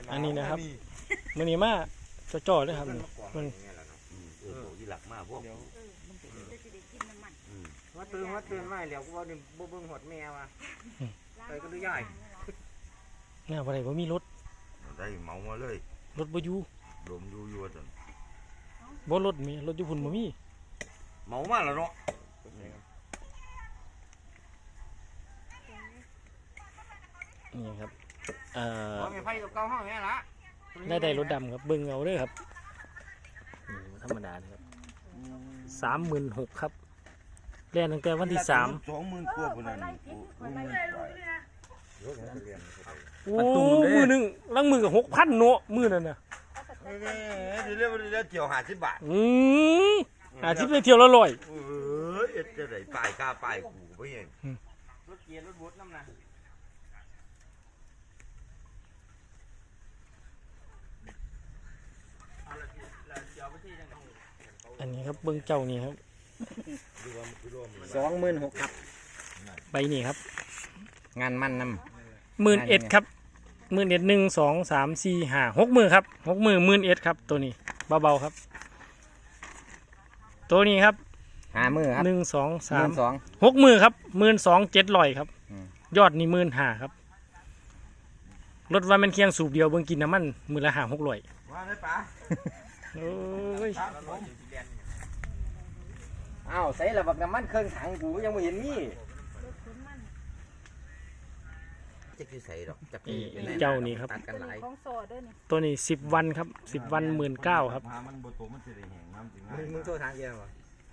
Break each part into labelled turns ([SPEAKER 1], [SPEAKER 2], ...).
[SPEAKER 1] อันนี้นะครับมื้อนี้มาจ่อๆเลยครับมัน
[SPEAKER 2] ยี่หลักมากพวก
[SPEAKER 3] ว่าตื่นไม่แล้วกูว่านี่บ่เบิ่งหดแมวอ่ะไปก็ดูใหญ่
[SPEAKER 1] เนี่ยบ่ได้บ่มีรถ
[SPEAKER 2] ได้เมามาเลย
[SPEAKER 1] รถบ่อยู่
[SPEAKER 2] ลมอยู่จัง
[SPEAKER 1] บ่รถมีรถอยู่พุ่นบ่มี
[SPEAKER 2] เมามาแล้วเนาะ
[SPEAKER 1] นี่ครับ
[SPEAKER 3] มีไฟกับเก่าห้องนี่ละ
[SPEAKER 1] ได้รถดำครับเบิ่งเอาเด้อครับธรรมดาครับ36,000ครับเรียนตั้งแต่วันที่3
[SPEAKER 2] 20,000 กว่าพุ่นนั่น
[SPEAKER 1] โอ้มือนึงลังมือกับ6,000เนาะมือนั่นน่ะ
[SPEAKER 2] เดี๋ยวเที่ยว50 บาท
[SPEAKER 1] 50เลยเที่ยวละ100
[SPEAKER 2] จะได้ป้ายค่าป้ายกูบ่เห็น
[SPEAKER 3] รถเกียร์รถบูทน้ำนะ
[SPEAKER 1] อันนี้ครับเบิ้งเจ้านี่ครับ
[SPEAKER 3] 26,000ครับ
[SPEAKER 1] ใบนี่ครับ
[SPEAKER 3] งานมันน
[SPEAKER 1] ำ11,000ครับ11,000 1 2 3 4 5 60,000ครับ60,000 11,000ครับตัวนี้เบาๆครับตัวนี้ครับ
[SPEAKER 3] 50,000ครับ
[SPEAKER 1] 1 2 3 60,000ครับ12,700ครับยอดนี่15,000ครับรถว่ามันเคียงสูบเดียวเบิ่งกินน้ำมันมื้อละ5-600
[SPEAKER 2] ว่าได้ปะ
[SPEAKER 1] โอ้ย
[SPEAKER 3] อ้าวใส่ระบบน้ำมันเครื่องถังกูยังไม่เห็นนี่จะคือใส่ดอกจะ
[SPEAKER 1] เจ้านี่ครับตัวนี้10 วันครับ10 วัน19,000ครับ
[SPEAKER 2] มันบ่โตมันสิได้แห้งน้ำจริง
[SPEAKER 3] มึงโทรทางเดียวเหรอ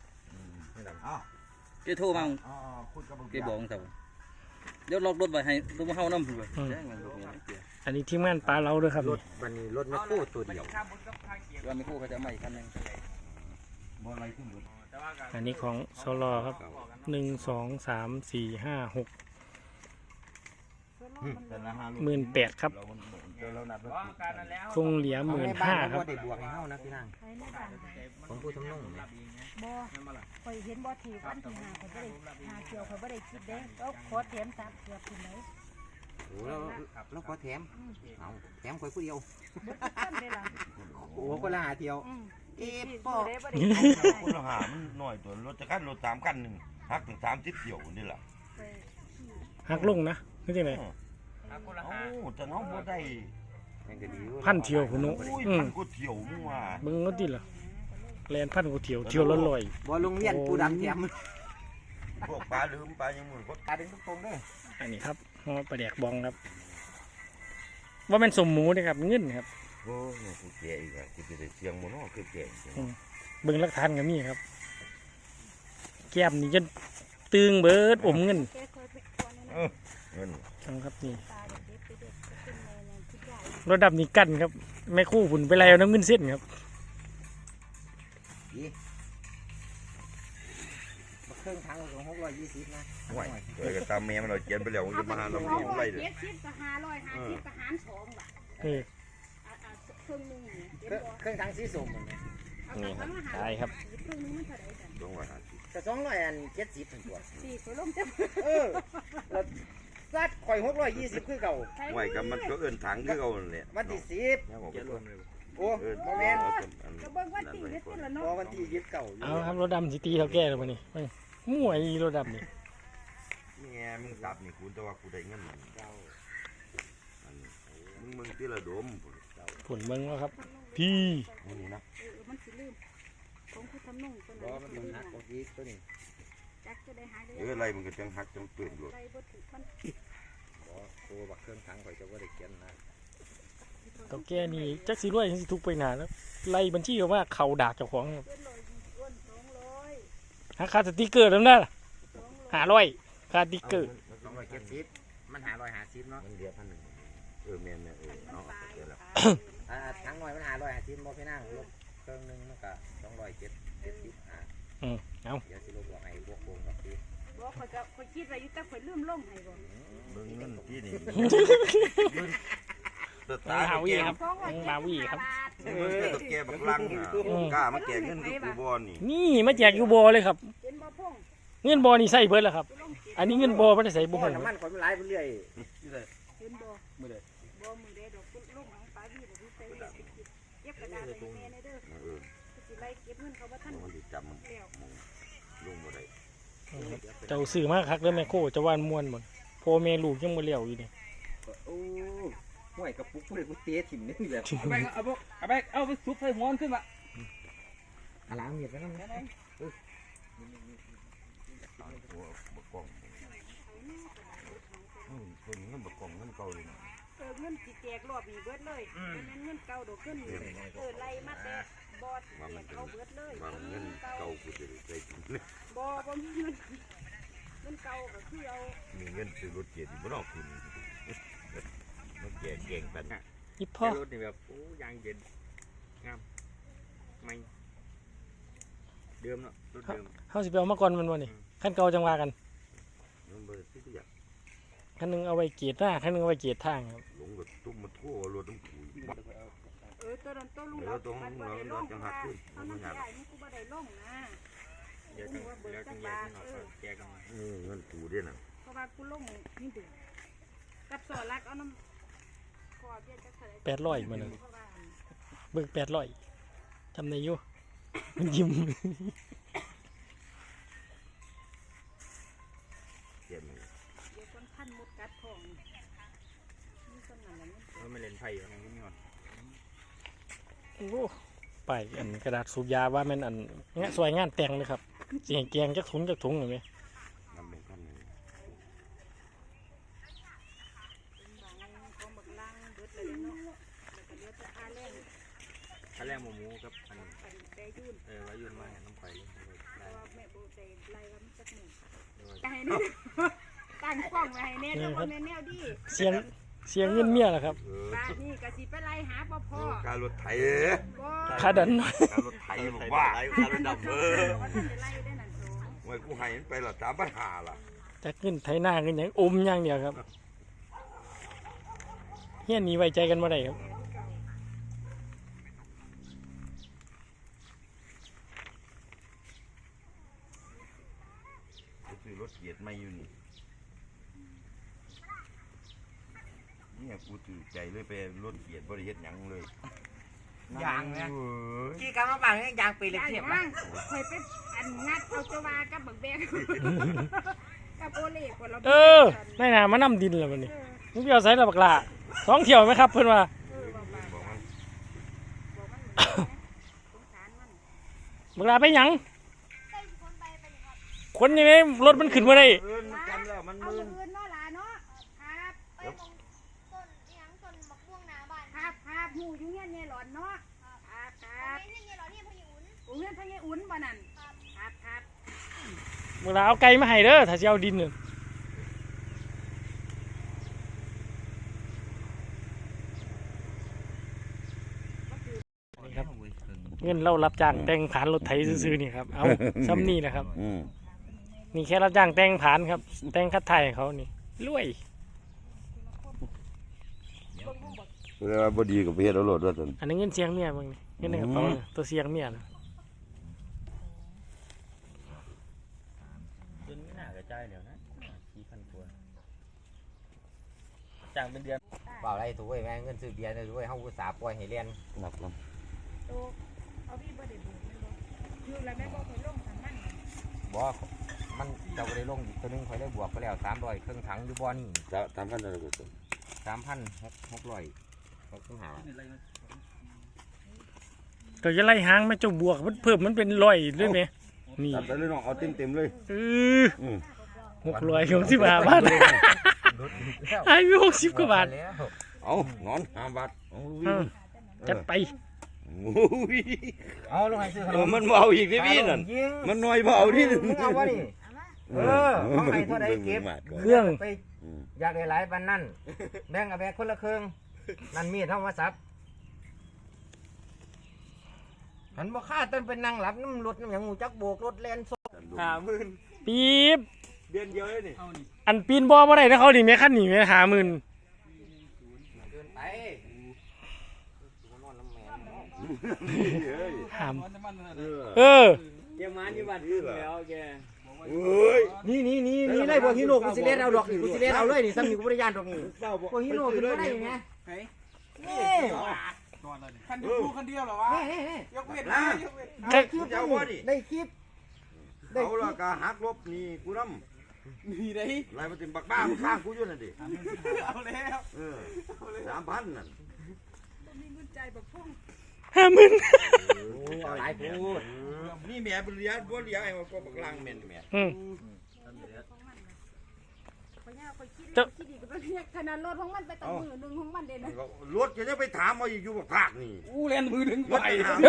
[SPEAKER 4] แกโทรมาแกบอกแต่เดี๋ยวล็อกรถไว้ให้รถมาเข้าน้ำเลย
[SPEAKER 1] อันนี้ทีมงานปลาเราด้วยครับ
[SPEAKER 3] วันนี้รถไม่คู่ตัวเดียว
[SPEAKER 4] ว่าไม่คู่เขาจะไม่คันนึง
[SPEAKER 1] อันนี้ของโซลอครับ1 2 3 4 5 6 18,000ครับคงเหลือ15,000ครับ
[SPEAKER 3] บวกให้เฮานะพี่นางของผู้ทำนุ่ง
[SPEAKER 5] บ่ข่อยเห็นบ่ทีวันที่5ข่อยบ่ได้5เกี่ยวข่อยบ่ได้คิดเด้แล้วขอแถม3เกือบถึงไหน
[SPEAKER 3] โอ้แล้วขอแถมเอาแถมข่อยผู้เดียว
[SPEAKER 5] บ่ทันได้ล่ะ
[SPEAKER 3] โอ้คนละ5เที่ยว
[SPEAKER 5] ป้อ
[SPEAKER 2] คนละหามันน้อยตัวรถจะคันรถ3คันนึงหักถึง30เที่ยวนี่ล่ะ
[SPEAKER 1] หักลงนะคือจังได๋
[SPEAKER 2] จะน้องบ่ได้
[SPEAKER 1] 1,000เที่ยวพุ่นเนาะ
[SPEAKER 2] 1,000กว่าเที่ยวมึงว่า
[SPEAKER 1] เบิ่งเอาติล่ะแล่น1,000กว่าเที่ยวละ100
[SPEAKER 3] บ่โรงเรียนปูดำแถม
[SPEAKER 2] พวกปลาลืมปลายังมือก็
[SPEAKER 3] ปลาดึงตรงๆเด้อ
[SPEAKER 1] อันนี้ครับห่อปลาแดกบองครับว่าเป็นสมหมูเด้ครับเงินครับ
[SPEAKER 2] โอ้ยกูแก่อีกอ่ะกูจะได้เสียงบ่เนาะคือแก่
[SPEAKER 1] เบิ่งหลักฐานก็มีครับแก้มนี่จนตึงเบิดอมเงิน
[SPEAKER 2] เงิน
[SPEAKER 1] จังครับนี่รถดับนี่กั้นครับแม่คู่ฝุ่นไปแล้วน้ำเงินเส้นครับ
[SPEAKER 3] เครื่องถังของ620นะ
[SPEAKER 2] ห่วยเอ้ยก็ตามแม่มันเราเขียนไปแล้วจะมาหาเราไม่ได้เลย
[SPEAKER 5] 70กับ550กับหาร2บาทเครื่องนึง
[SPEAKER 3] เครื่องถังสีส้ม
[SPEAKER 1] นี่ใช่ครับ
[SPEAKER 5] เครื่องนึงมันเท่าไหร่กัน
[SPEAKER 2] 250
[SPEAKER 3] ก็270ถึงตัว
[SPEAKER 5] 4ตัวลงจัง
[SPEAKER 3] แล้วซัดข่อย620คือเก่า
[SPEAKER 2] ห่วยก็มันก็เอิ้นถังคือเก่านั่นแหละ
[SPEAKER 3] วันที่10โอ้บ่แม่น
[SPEAKER 5] ก็เบิ่งวันที่ยึดละเนาะ
[SPEAKER 3] วันที่ยึดเก่า
[SPEAKER 1] เอาครับรถดำสิตีเท่าแก่แล้วมื้อนี้มั่วอีรถดำนี่
[SPEAKER 2] นี่ไงมึงตับนี่กูแต่ว่ากูได้เงินมึงที่ละดม
[SPEAKER 1] ผลเบิ่งว่าครับพี่
[SPEAKER 2] นี่นะ
[SPEAKER 5] มันสิลืมของผู้ทำนุ่งตัวนั้น
[SPEAKER 3] มันหักของอีตัวนี้
[SPEAKER 5] จักจะได้หายได้
[SPEAKER 2] อะไรมันก็จังหักจังเปลี่ยนอยู่
[SPEAKER 5] ได้บ่ถูกมัน
[SPEAKER 3] โอ้บักเครื่องถังข่อยจะบ่ได้เขียนนะ
[SPEAKER 1] เท่าแก่นี่จักสิรวยสิทุกไปหน้าแล้วไล่บัญชีก็ว่าเขาดากเจ้าของครับหาค่าสติ๊กเกอร์แล้วนะ500ค่าสติ๊กเกอร์
[SPEAKER 3] 270มัน550เนาะ
[SPEAKER 2] มันเดียว1,000แม่นเอาเดี๋ยวแล้ว
[SPEAKER 3] ทั้งหน่อยมัน550บ่พี่นางลดเครื่องนึงมันก็275
[SPEAKER 1] เอา
[SPEAKER 3] เดี๋ยวสิลดบอกให้บวกๆกับพี่
[SPEAKER 5] บ่ข่อยคิดไว้อยู่แต่ข่อยลืมลงให้บ่
[SPEAKER 2] เบิ่งเงินที่นี่
[SPEAKER 1] ตาหาวีครับมาวีครับ
[SPEAKER 2] ตะแกบักลังกล้ามาแจกเงินกับกูบอล
[SPEAKER 1] นี่มาแจกอยู่บ่เลยครับเงินบ่นี่ใส่เบิดแล้วครับอันนี้เงินบ่ไม่ได้ใส่บ่
[SPEAKER 3] น้ำมันข่อยมันไหลไปเรื่อย
[SPEAKER 5] เห็นบ่
[SPEAKER 4] มื้อใด
[SPEAKER 5] บ่มือเด้ดอกคุณลงของปลาวีบ่มีใส่เก็บกระดาษไว้ให้แม่ในเด้อสิไล่เก็บเงินเขาบ่ทัน
[SPEAKER 2] มันสิจำ
[SPEAKER 5] แล้ว
[SPEAKER 2] ลุงบ่ได้
[SPEAKER 1] เจ้าซื้อมาคักเด้อแม่โคจะว่านม่วนบ่พ่อแม่ลูกยังบ่เลี้ยวอยู่นี่
[SPEAKER 3] โอ้ห่วยกระปุกผู้ใดผู้เตะถิ่มนี่แบบ
[SPEAKER 4] เอาไปซุปใส่หัวขึ้นมา
[SPEAKER 3] อาล้างเมียดแล้วนะ
[SPEAKER 2] ตัวบกกล้องคนเงินบกกล้องเงินเก่าเลยนะ
[SPEAKER 5] เงินสิแจกรอบนี้เบิดเลยบ่แม่นเงินเก่าดอกเงินไล่มาแต่บอดแจกเอาเบิดเลย
[SPEAKER 2] ว่ามันเงินเก่ากูจะได้กิน
[SPEAKER 5] บ่มีเงินเก่าก็คือเอา
[SPEAKER 2] มีเงินซื้อรถเกียร์ที่บ่ต้องคุณมันแก่เก่งกัน
[SPEAKER 1] อีพ่อ
[SPEAKER 3] รถนี่แบบโอ้ยางเย็นงามไม่เดิมเนาะรถเดิม
[SPEAKER 1] เฮาสิไปเอามาก่อนมันบ่นี่คันเก่าจังว่ากัน
[SPEAKER 2] มันบ่ได้ซื้ออยาก
[SPEAKER 1] คันหนึงเอาไว้เกียรหน้าคันหนึงเอาไว้เกียรทางครับ
[SPEAKER 2] หลงกับตุ้มมาทั่วรถต้องคุยบัก
[SPEAKER 5] ตัวนั้นตัวลุง
[SPEAKER 2] แล้วตัวของเราเราจังหักขึ้น
[SPEAKER 5] เอาน้ำใหญ่นี่กูบ่ได้ลงนะ
[SPEAKER 3] เดี๋ยวจังแยกกันออกแยกกันมา
[SPEAKER 2] เงินกูด้วยนะ
[SPEAKER 5] เพราะว่ากูลงนี่เดือกับสอรักเอาน้ำคอเบี้ยจักเท่าไหร่
[SPEAKER 1] 800มื้อนึง
[SPEAKER 5] เพราะว่า
[SPEAKER 1] เบิก800จำได้อยู่มันยิ้ม
[SPEAKER 2] เก็บมัน
[SPEAKER 5] เดี๋ยวคนพันมุดกัดทองนี่คนนั้นแหละนี่
[SPEAKER 3] ไม่เล่นไพ่อยู่นั่นนี่ก่อน
[SPEAKER 1] โอ้ไปอันกระดาษสูบยาว่าแม่นอันเงี้ยสวยงานแต่งเลยครับสิให้แกงจักถุงเห็นไหม
[SPEAKER 2] นำเป็นขั้นหนึ่ง
[SPEAKER 5] เป็นบางของบักล่างเบิดเลยเนาะแล้วก็เดี๋ยวจะอาแรง
[SPEAKER 3] ถ้าแรกหมูกับอัน
[SPEAKER 5] กันแต่ยุ่น
[SPEAKER 3] ไว้ยืนมาน้ำไฟเลย
[SPEAKER 5] เพ
[SPEAKER 3] ได้
[SPEAKER 5] ราะว่าแม่โบใจไล่ว่ามันจักหนึ่ง
[SPEAKER 3] ด้วย
[SPEAKER 5] ไก่นี่ตั้งกล้องไว้ให้แน่เด้อบ่แม่นแนวดี
[SPEAKER 1] เสียงเงินเมียล่ะครับ
[SPEAKER 5] บาดนี้ก็สิไปไล่หาพ่อ
[SPEAKER 2] การรถไถ
[SPEAKER 5] บ่
[SPEAKER 1] ค่าดัน
[SPEAKER 2] การรถไถบอกว่าการรถดับ
[SPEAKER 5] ว่าท่านจะไล่ได้นั่นโต
[SPEAKER 2] ไว้กูให้มันไปละตามปัญหาล่ะ
[SPEAKER 1] จักเงินไถหน้าเงินหยังอมอย่างเดียวครับเฮียนหนีไว้ใจกันบ่ได้ครับ
[SPEAKER 2] กูซื้อรถเกียร์ไม่อยู่นี่เนี่ยกูถือใจเลยไปรถเกียร์บริเฮ็ดหยังเลย
[SPEAKER 3] ยางเนี่ยกี่กรัมมาบ้างเนี่ยยางปีเล็ก
[SPEAKER 5] ได้
[SPEAKER 3] เทียบ
[SPEAKER 5] มั้งเคยไปอันงัดเอาตัววากับบักแบกกับโอเล่คนเรา
[SPEAKER 1] เออในหน้ามานํดินแล้วบัดนี้มึงไปเอาไสละบักล่ะ2เที่ยวไหมครับเพิ่นว่า
[SPEAKER 2] บอกมัน
[SPEAKER 5] บอกมันสงสารมัน
[SPEAKER 1] บักล่ะไปหยังคนยังไงรถมันขึ้นบ่ได้
[SPEAKER 2] เอิ้นมันจำแล้วมัน
[SPEAKER 5] เอา
[SPEAKER 2] มึน
[SPEAKER 5] เงินเนาะหลานเนาะครับ
[SPEAKER 6] ไปตรงต้นอีหยังต้นมะม่วงหน้าบ้าน
[SPEAKER 5] ครับหูอยู่เงี้ยเนี่ยหลอนเนาะครับ
[SPEAKER 6] นี่เหรอนี่พยูน
[SPEAKER 5] โอ้เงี้ยพะเยอุ่นบ่นั่นครับ
[SPEAKER 1] บักล่ะเอาไก่มาให้เด้อถ้าสิเอาดินน่ะนี่ครับเงินเรารับจ้างแต่งผ่านรถไถซื่อๆนี่ครับเอาซ้ำนี่แหละครับ นี่แค่รับจ้างแต่งผ่านครับ แต่งคัดไทยให้เขานี่รวย
[SPEAKER 2] เวลาบ่ดีกับเฮ็ดเอารถว่าซั่น
[SPEAKER 1] อันนี้เงินเสียงเมียมึงนี่เงินในกระเป๋าเนี่ยตัวเสียงเมียนะ
[SPEAKER 3] เดือนไม่น่ากระจายเดี๋ยวนะ4,000ตัวจ้างเป็นเดือน
[SPEAKER 7] เปล่าไรถูกไอ้แม่เงินซื้อเบียร์เลยถูกไอ้เฮาอุตส่าห์ปล่อยให้เรียน
[SPEAKER 2] นับนํ
[SPEAKER 5] โตเอาพี่บ่ได้บุญแม่บ่อยู่แล้วแม่บ่เคยลงทางนั้น
[SPEAKER 7] บ่มันเจ้าก็ได้ลงอีกตัวหนึงข่อยได้บวกไปแล้ว300เครื่องถังอยู่บ่อนี่
[SPEAKER 2] ตามกันได้ก็
[SPEAKER 7] 3,600เขาต้องหา
[SPEAKER 1] ก็จะไล่หางแม่เจ้าบวกมันเพิ่มมันเป็นร้อยด้วยไหมนี่
[SPEAKER 2] ตัดไปเลยน้องเอาเต็มๆเลย
[SPEAKER 1] 665 บาทไอ้มี60 กว่าบาท
[SPEAKER 7] แล้ว
[SPEAKER 2] เอานอน5 บาทเอาลุย
[SPEAKER 1] จัดไป
[SPEAKER 2] โอ้ย
[SPEAKER 7] เอาลงให้ซื้อขนม
[SPEAKER 2] มันบ่เอาอีกดิพี่นั่น
[SPEAKER 7] ยิง
[SPEAKER 2] มันน้อยบ่เอาดิ
[SPEAKER 7] มึงเอาวะนี่เอาให้เท่าใดเก็บ
[SPEAKER 1] เครื่อง
[SPEAKER 7] ไปอยากได้หลายปานนั้นแบ่งกับแบ่งคนละครึ่งนั่นมีดเท่ามาซับหันบ่ค่าต้นเป็นนางหลับน้ำรถน้ำหยังหูจักโบกรถแล่นโซ
[SPEAKER 3] 50,000
[SPEAKER 1] ปี๊บ
[SPEAKER 3] เดือนเดียวเลยนี่
[SPEAKER 1] อันปีนบ่ได้นะเขาดิแม่คันนี่แม่50,000
[SPEAKER 7] เกินไปนอนน้ำแม่
[SPEAKER 1] หาม
[SPEAKER 4] มันจะมัน
[SPEAKER 1] เออ
[SPEAKER 3] แกมาอยู่บ้านอื่นแล้วแก
[SPEAKER 2] เเอ้ย
[SPEAKER 7] นี่ไล่พวกฮิโนกูสิเล่นเอาดอกนี่กูสิเล่นเอาเลยนี่ซ้ำนี่กูบ่ได้ย่านดอกนี่พวกฮิโนขึ้นบ่ได้ไงนี่
[SPEAKER 3] คันเดียวคันเดียวเหรอวะ
[SPEAKER 7] นี่
[SPEAKER 3] ยกเว้นนะยกเว้น
[SPEAKER 7] ได้คลิปได้คลิป
[SPEAKER 2] เอาละกะหักลบนี่กูนำ
[SPEAKER 3] นี่ได้
[SPEAKER 2] ไรมาติมบักบ้ามันข้างกูอยู่นั่นดิ
[SPEAKER 3] เอาแล้ว
[SPEAKER 2] 3,000นั่น
[SPEAKER 1] 50,000
[SPEAKER 7] เอาหลายพูด
[SPEAKER 2] นี่แม่บ่เลี้ยบ่เลี้ยไอ้ก็บักลังแม่นแม่
[SPEAKER 1] อืม
[SPEAKER 5] ข่อยย่าข่อยคิดแล้วคิดอีกก็เรียกขนาดรถของมันไปตั้งมือหนึงของมันเด้นะ
[SPEAKER 2] รถจะไปถามเอาอยู่บักภาคนี่
[SPEAKER 3] อู้เล่นมือถึงไป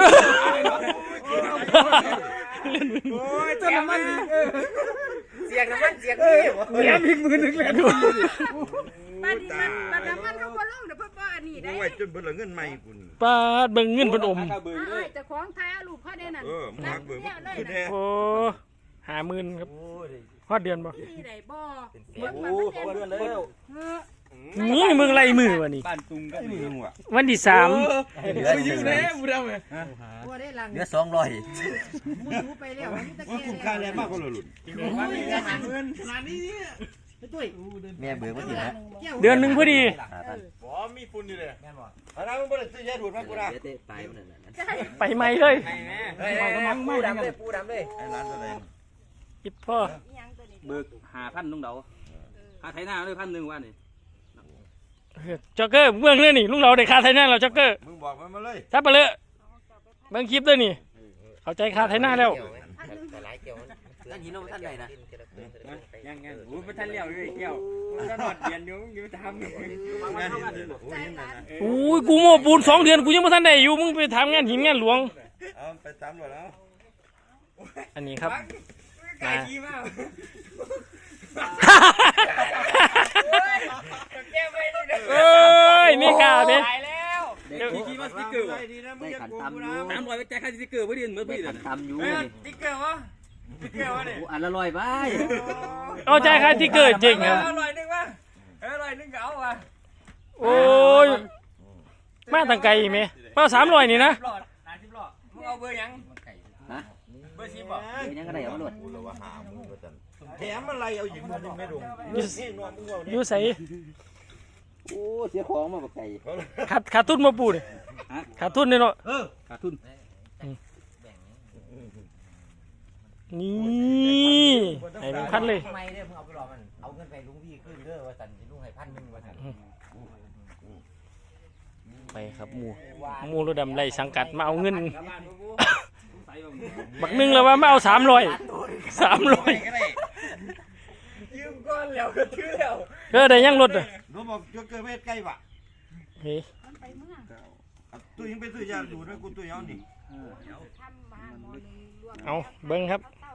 [SPEAKER 2] โอ้ย
[SPEAKER 3] จนน้ำมัน
[SPEAKER 7] เสียงน้ำมันเสียงนี่บ่
[SPEAKER 3] เล่นอีกมือถึงเล่น
[SPEAKER 5] บ้านนี้มันน้ำมันเขาบ่ลงเด้อเพิ่นบ่อันนี้ได้
[SPEAKER 2] โอ้ยจนเบิ่ละเงินใหม่กูนี่
[SPEAKER 1] ปาดเบิ่งเงินเพิ่นอม
[SPEAKER 5] อ้ายเจ้าของถ่ายเอารูปเขาได้นั่น
[SPEAKER 2] มาเบิ่ง
[SPEAKER 5] เนี่ยเลย
[SPEAKER 2] คือ
[SPEAKER 5] นะ
[SPEAKER 2] แท้
[SPEAKER 1] โอ้50,000ครับฮอดเดือนบ่
[SPEAKER 5] นี่ได้บ่
[SPEAKER 3] โอ้เดือนแล้ว
[SPEAKER 1] นี่มึงไล่มือวะนี่
[SPEAKER 3] บ้านตุงกัน
[SPEAKER 2] นี่มึงว่ะ
[SPEAKER 1] วันที่3
[SPEAKER 3] ยืนเลยบุดเอาเลย
[SPEAKER 5] บ่ได้ลัง
[SPEAKER 7] เหลือ200
[SPEAKER 5] มูดูไปแล้วนี่ตะ
[SPEAKER 2] ว่า
[SPEAKER 5] เกีย
[SPEAKER 2] คุ้มค่าแรงมากกว่าหลุด
[SPEAKER 7] แม่เบื่อบ่ตินะ
[SPEAKER 1] เดือนหนึงพอดี
[SPEAKER 3] บ่มีฝุ่นอยู่เลย
[SPEAKER 2] อะไรมึงบ่ได้ซื้อยาดูดมากูนะ
[SPEAKER 7] เดี๋ยวเตะตายมันนั่นน่ะ
[SPEAKER 1] ไปใหม่เลย
[SPEAKER 7] เฮ้ยปูดำเลยปูดำเลย
[SPEAKER 2] ไอ้ร้านอะไร
[SPEAKER 1] อิดพ่อ
[SPEAKER 4] เบิก5,000ลุงเดาค่าไถนาเลย1,000ว่านี่
[SPEAKER 1] จ็อกเกอร์เบื้องเรื่องนี่ลุงเราได้ค่าไทยหน้าเราจ็อกเกอร์
[SPEAKER 2] มึงบอกมันมาเลย
[SPEAKER 1] ทับไปเลยเบิ่งคลิปด้วยนี่เข้าใจค่าไทยหน้าแล้ว
[SPEAKER 7] แต่หลายเกี่ยวนั่นหินท่านใดนะ
[SPEAKER 3] ยังโอ้ไม่ทันเลี้ยวเลยเกี่ยวจะนอดเดียนอยู่อยู่ทำ
[SPEAKER 2] งานนี่โอ้ยนั่นนะ
[SPEAKER 1] อุ้ยกูโม่ปูน2 เดือนกูยังไม่ทันได้อยู่มึงไปทำงานหินงานหลวง
[SPEAKER 2] เอาไปตามหมดแล้ว
[SPEAKER 1] อันนี้ครับ
[SPEAKER 3] ไก่ขี้มากแก้ไม่ได้
[SPEAKER 1] เอ้ยนี่กาเด้
[SPEAKER 3] ตายแล้ว
[SPEAKER 4] เด็กขี่มาสติ๊กเกอร์
[SPEAKER 2] ดีนะมึงอย่าโกงกูนะ
[SPEAKER 4] 300ไปจ่ายค่าสติ๊กเกอร์บ่ได้เหมือนบ่ได้
[SPEAKER 7] ทำอยู่
[SPEAKER 3] ติ๊กเกอร์วะติ๊กเกอร์วะเนี่ย
[SPEAKER 7] อันละ100บาท
[SPEAKER 1] เอาใจใครที่เกิดจริงครับ
[SPEAKER 3] อร่อยนึงวะอร่อยนึงก็เอาวะ
[SPEAKER 1] โอ้ยมาตั้งไกลไหมมา300นี่นะ
[SPEAKER 3] หลอด30หลอดมึงเอาเบอร์ยัง
[SPEAKER 7] ฮะ
[SPEAKER 3] เบอร์10บ่
[SPEAKER 7] ยังก็ได้เอาหมด
[SPEAKER 2] กูเลยว่าหามึงก็ตันแถมอะไรเอาหญิงมึงไม่ลงนี่นวลมึงเอา
[SPEAKER 1] อ
[SPEAKER 2] เนี่ย
[SPEAKER 1] ยู่ใส่
[SPEAKER 7] โอ้เสียของมาบ่ไก่
[SPEAKER 1] ขาดทุนมาปูดิขาดทุนเนี่ยเนาะ
[SPEAKER 4] ขาดทุน
[SPEAKER 1] นี่ไอ้1,000เลย
[SPEAKER 7] ทำไมเด้อมึงเอาไปรอมันเอาเงินไปลุงพี่ขึ้นเด้อว่าซั่นสิลุงให้1,000ว่าซั่น
[SPEAKER 1] ไปครับหมูรถดำไล่สังกัดมาเอาเงิน
[SPEAKER 4] ใส่บ่
[SPEAKER 1] บักนึงแล้วว่าไม่เอา300
[SPEAKER 3] ยืมก้อนแล้วก็ถือแล้ว
[SPEAKER 1] ได้ยังรถอ่ะ
[SPEAKER 2] รู้บอกจะเกิดเวทใกล้ปะ
[SPEAKER 1] เฮ้ย
[SPEAKER 5] มันไปเมื่อ
[SPEAKER 2] ตัวยังไปซื้อยาดูดนะกูตัวยาวนี่
[SPEAKER 5] ทำบ้านหมอนึงรวม
[SPEAKER 1] เอาเบิ้งครับ
[SPEAKER 5] ต